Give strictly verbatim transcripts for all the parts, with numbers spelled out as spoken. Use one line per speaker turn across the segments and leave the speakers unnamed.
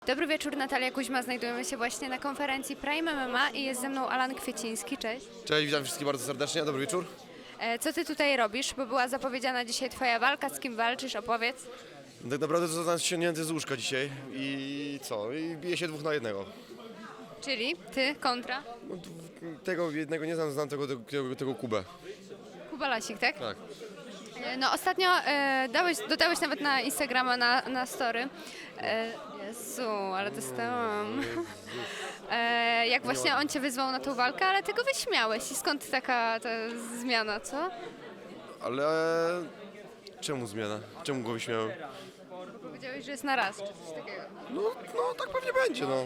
Dobry wieczór, Natalia Kuźma. Znajdujemy się właśnie na konferencji Prime M M A i jest ze mną Alan Kwieciński. Cześć.
Cześć, witam wszystkich bardzo serdecznie, dobry wieczór.
E, Co ty tutaj robisz? Bo była zapowiedziana dzisiaj twoja walka. Z kim walczysz? Opowiedz.
Tak naprawdę to zostałem ściągnięty z łóżka dzisiaj i co? I bije się dwóch na jednego.
Czyli ty kontra
No, d- tego jednego nie znam, znam tego, tego, tego Kubę.
Kuba Lasik, tak?
Tak.
E, No ostatnio e, dałeś, dodałeś nawet na Instagrama, na, na story. E, Jezu, ale dostałam. E, jak właśnie on cię wyzwał na tą walkę, ale ty go wyśmiałeś. I skąd taka ta zmiana, co?
Ale czemu zmiana? Czemu go wyśmiałem?
Powiedziałeś, że jest na raz, czy coś takiego.
No, no tak pewnie będzie, no.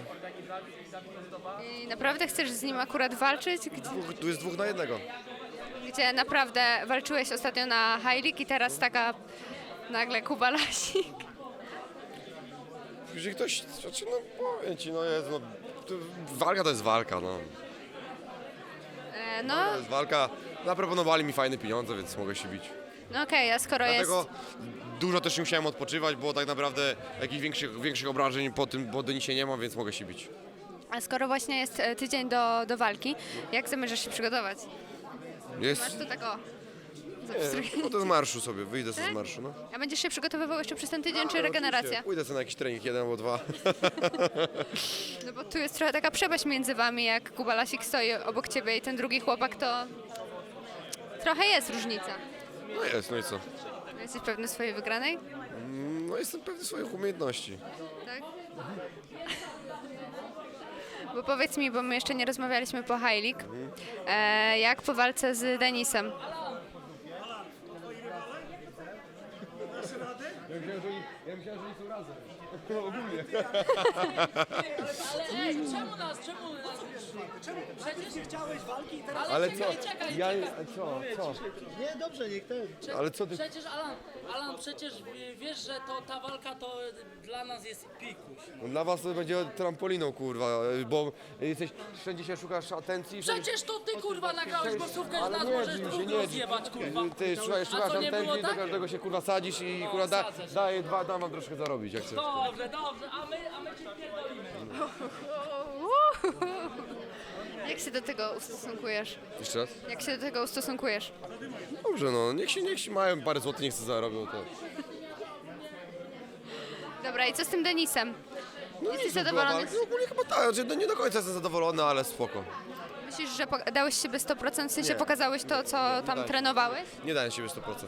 I naprawdę chcesz z nim akurat walczyć? Gdzie,
Dwóch, tu jest dwóch na jednego.
gdzie naprawdę walczyłeś ostatnio na High League i teraz taka nagle Kuba Lasik.
Jeżeli ktoś, znaczy no powiem ci, no jest, no. To, walka to jest walka, no.
E, no,
To jest walka. Zaproponowali mi fajne pieniądze, więc mogę się bić.
no okej, a skoro
Dlatego
jest...
dużo też nie musiałem odpoczywać, bo tak naprawdę jakichś większych, większych obrażeń po tym po donisie nie mam, więc mogę się bić.
A skoro właśnie jest e, tydzień do, do walki, jak zamierzasz się przygotować? Masz
Jest.
to tak o...
Nie,
zapstrój-
no to z marszu sobie, wyjdę sobie z marszu, no.
A będziesz się przygotowywał jeszcze przez ten tydzień, czy
Ale
regeneracja?
oczywiście, Pójdę sobie na jakiś trening, jeden albo dwa.
No bo tu jest trochę taka przepaść między wami, jak Kuba Lasik stoi obok ciebie i ten drugi chłopak, to trochę jest różnica.
No jest, no i co?
Jesteś pewny swojej wygranej?
No jestem pewny swoich umiejętności.
Tak? Bo powiedz mi, bo my jeszcze nie rozmawialiśmy po High League, e, jak po walce z Denisem?
Ja myślałem, że nie są razem.
Ale ej, czemu nas, czemu nas? Przecież
Chciałeś walki i teraz...
Ale co?
czekaj, czekaj,
Ja,
czekaj.
co, co?
Nie, dobrze, niech ten...
Ale co ty?
Przecież Alan, Alan, przecież wiesz, że to ta walka to dla nas jest pikuś.
No dla was to będzie trampoliną, kurwa, bo jesteś, wszędzie się szukasz atencji. wszędzie-
Przecież to ty kurwa nagrałeś głosówkę, że
Ale
nas
nie
możesz
drzyj się,
drugą
nie
rozjebać kurwa.
Ty szukaj, szukasz
co, nie było
atencji, do
tak?
każdego się kurwa sadzisz i
No,
kurwa da,
sadzę się.
daję dwa, dam wam troszkę zarobić, jak chcesz.
Dobrze, dobrze, a my, a my cię pierdolimy.
Jak się do tego ustosunkujesz?
Jeszcze raz?
Jak się do tego ustosunkujesz?
Dobrze, no, niech się, niech się mają parę złotych, niech sobie zarobią to.
Dobra, i co z tym Denisem?
No
Jesteś
nic, no,
zadowolony?
była walka. No, ogólnie chyba tak, znaczy, no, nie do końca jestem zadowolony, ale spoko.
Myślisz, że poka- dałeś siebie sto procent, w sensie
Nie.
pokazałeś to, co tam
dałem.
trenowałeś?
Nie daję siebie sto procent.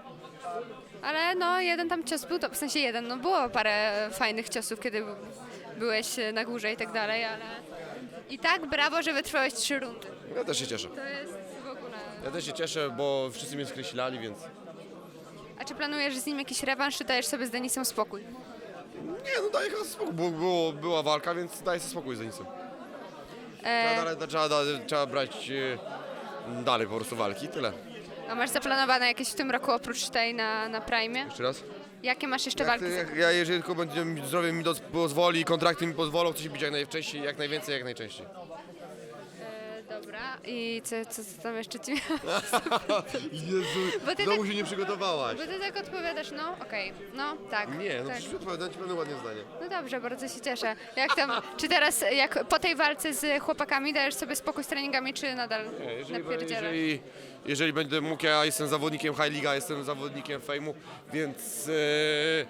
Ale no, jeden tam cios był, to w sensie jeden, no było parę fajnych ciosów, kiedy byłeś na górze i tak dalej, ale... I tak brawo, że wytrwałeś trzy rundy.
Ja też się cieszę.
To jest w ogóle...
Ja też się cieszę, bo wszyscy mnie skreślali, więc...
A czy planujesz z nim jakiś rewanż, czy dajesz sobie z Denisem spokój?
Nie, no daję chyba spokój, bo było, była walka, więc daję sobie spokój z Denisem.
E,
Trzeba, dalej, trzeba, trzeba brać e, dalej po prostu walki, tyle.
a masz zaplanowane jakieś w tym roku oprócz tej na, na Prime?
Jeszcze raz?
Jakie masz jeszcze
Jak,
walki?
jak, ja jeżeli tylko będzie, mi- zdrowie mi doz- pozwoli, kontrakty mi pozwolą, chcę się bić jak najwcześniej, jak najwięcej, jak najczęściej.
E, dobra, i co, co, co tam jeszcze ci...
Jezu,
Bo ty
znowu
tak-
się nie przygotowałaś.
Bo ty tak odpowiadasz, no okej, no tak.
Nie, no
tak.
przecież odpowiadam ci pewne ładnie zdanie.
No dobrze, bardzo się cieszę. Jak tam, czy teraz, jak po tej walce z chłopakami dajesz sobie spokój z treningami, czy nadal
Nie, jeżeli,
napierdzielasz?
jeżeli, jeżeli będę mógł, ja jestem zawodnikiem High League, jestem zawodnikiem Fejmu, więc e,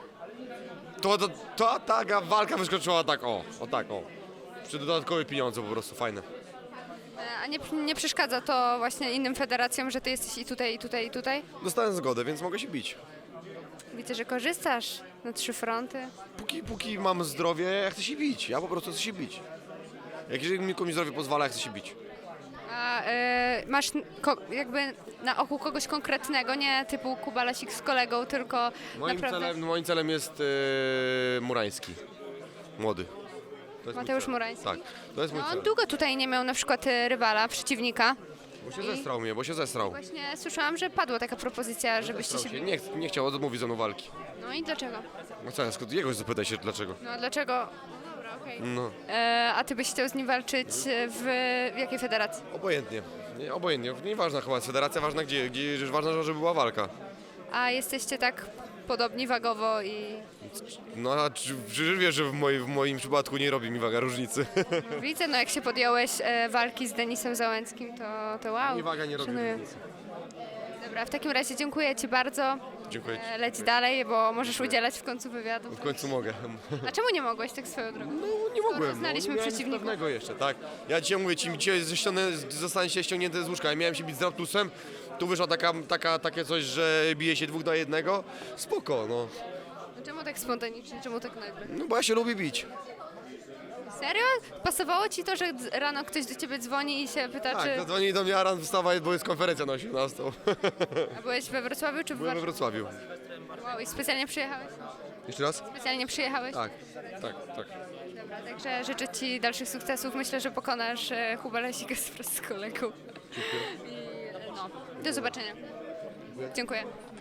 to, to, to ta walka wyskoczyła tak o, o tak o. Przy dodatkowe pieniądze po prostu, fajne.
E, A nie, nie przeszkadza to właśnie innym federacjom, że ty jesteś i tutaj, i tutaj, i tutaj?
Dostałem zgodę, więc mogę się bić.
Widzę, że korzystasz na trzy fronty.
Póki, póki mam zdrowie, ja chcę się bić. Ja po prostu chcę się bić. Jak jeżeli mi komuś zdrowie pozwala, ja chcę się bić.
A e, masz n- ko- jakby na oku kogoś konkretnego, nie typu Kuba Lasik z kolegą, tylko
Moim
naprawdę...
celem, moim celem jest e, Murański. Młody. To jest mój
Mateusz
cel.
Murański?
Tak, to jest mój
No,
cel.
on długo tutaj nie miał na przykład e, rywala, przeciwnika.
Bo się zestrał mnie, bo się zestrał.
Właśnie słyszałam, że padła taka propozycja, żebyście
Zestrał
się...
się. Nie, ch- nie chciał, odmówić ze mną walki.
No i dlaczego?
No co, skąd jego zapytaj się dlaczego.
No a dlaczego? No dobra, okej.
No,
E, a ty byś chciał z nim walczyć w, w jakiej federacji?
obojętnie. Nie, obojętnie. Nieważna chyba jest federacja, ważna gdzie, gdzie ważna, żeby była walka.
A jesteście tak podobni wagowo i
No a czy, czy wiesz, że w, moj, w moim przypadku nie robi mi waga różnicy.
widzę, no jak się podjąłeś e, walki z Denisem Załęckim, to, to wow.
Mi waga nie robi
szanuję.
różnicy.
Dobra, w takim razie dziękuję Ci bardzo.
Dziękuję ci.
E, Leć dalej, bo możesz udzielać w końcu wywiadu.
W końcu mogę.
A czemu nie mogłeś tak swoją drogą?
No nie mogłem,
znaliśmy
no, nie miałem nic
przeciwników.
pewnego jeszcze, tak. Ja dzisiaj mówię ci, dzisiaj ześciągnę- zostanie się ściągnięte z łóżka. Ja miałem się bić z Raptusem, tu wyszła taka, taka, takie coś, że bije się dwóch na jednego. Spoko, no.
No czemu tak spontanicznie, czemu tak nagle?
No bo ja się lubię bić.
Serio? Pasowało Ci to, że d- rano ktoś do Ciebie dzwoni i się pyta,
Tak,
czy...
zadzwonili do mnie, Aran, wstawaj, bo jest konferencja na osiemnastą.
A byłeś we Wrocławiu czy w
Byłem we
Warszawie?
Wrocławiu.
Wow, i specjalnie przyjechałeś?
Jeszcze raz?
Specjalnie przyjechałeś?
Tak, tak, tak.
Dobra, także życzę Ci dalszych sukcesów. Myślę, że pokonasz e, Kuba Lesika wraz z kolegą. I, e, no, do zobaczenia. Dziękuję.